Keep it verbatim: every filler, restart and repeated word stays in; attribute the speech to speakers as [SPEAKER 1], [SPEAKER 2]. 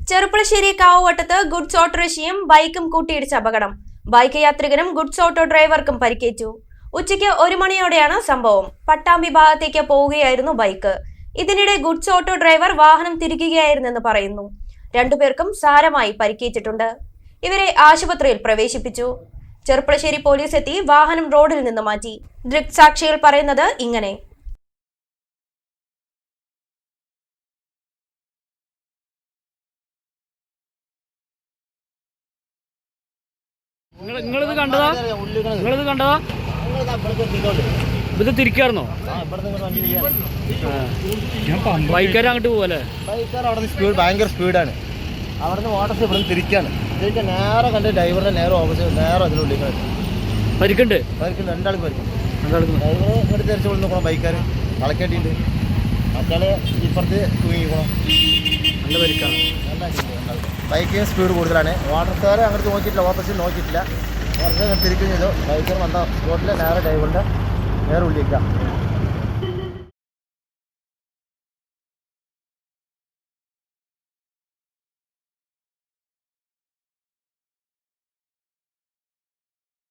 [SPEAKER 1] Cherpulassery കാവുവട്ടത്ത് goods ഓട്ടോറിക്ഷയും ബൈക്കും കൂട്ടിയിടിച്ച അപകടം. ബൈക്ക് യാത്രികനും ഗുഡ്സ് ഓട്ടോ ഡ്രൈവർക്കും പരിക്കേറ്റു. ഉച്ചയ്ക്ക് ഒരു മണിയോടെയാണ് സംഭവം. പട്ടാമ്പി ഭാഗത്തേക്ക് പോവുകയായിരുന്നു ബൈക്ക്. ഇതിനിടെ ഗുഡ്സ് ഓട്ടോ ഡ്രൈവർ വാഹനം തിരിക്കുകയായിരുന്നെന്ന് പറയുന്നു. രണ്ടുപേർക്കും സാരമായി പരിക്കേറ്റിട്ടുണ്ട്. ഇവരെ ആശുപത്രിയിൽ പ്രവേശിപ്പിച്ചു. ചെറുപ്പളശ്ശേരി പോലീസ് എത്തി വാഹനം റോഡിൽ നിന്ന് മാറ്റി. ദൃക്സാക്ഷികൾ പറയുന്നത് ഇങ്ങനെ:
[SPEAKER 2] നിങ്ങളിത് കണ്ടതാ നിങ്ങളിത് കണ്ടതാ ഇത് തിരിക്കായിരുന്നോ? ബൈക്കാർ അങ്ങോട്ട് പോവല്ലേ?
[SPEAKER 3] ബൈക്കാർ അവിടെ നിന്ന് സ്പീഡ് ഭയങ്കര സ്പീഡാണ്. അവിടെ നിന്ന് ഓട്ടോസ് ഇവിടെ നിന്ന് തിരിക്കാണ്. തിരിക്കാൻ നേരെ കണ്ട് ഡ്രൈവറിന്റെ നേരെ ഓപ്പോസിറ്റ് നേരെ അതിനുള്ളിൽ
[SPEAKER 2] പരിക്കുണ്ട്
[SPEAKER 3] പരിക്കുണ്ട് രണ്ടാൾക്ക് പരിക്കും. ഡ്രൈവർ ഇങ്ങോട്ട് തിരിച്ചു കൊണ്ട് നോക്കണം. ബൈക്കാർ കളക്കേട്ടിട്ടുണ്ട്. മറ്റാളെ ഇപ്പുറത്ത് തൂങ്ങിക്കണം.
[SPEAKER 2] നല്ല പരിക്കാണ്.
[SPEAKER 3] ബൈക്കിന് സ്പീഡ് കൂടുതലാണ്. ഓട്ടോക്കാർ അങ്ങോട്ട് നോക്കിയിട്ടില്ല, ഓപ്പോസിറ്റ് നോക്കിയിട്ടില്ല. വെറുതെ തിരിക്കുകയും ചെയ്തു. ബൈക്കർ വന്ന റോഡിലെ നേരെ ഡ്രൈവറിൻ്റെ നേരെ ഉള്ളിലേക്കാം.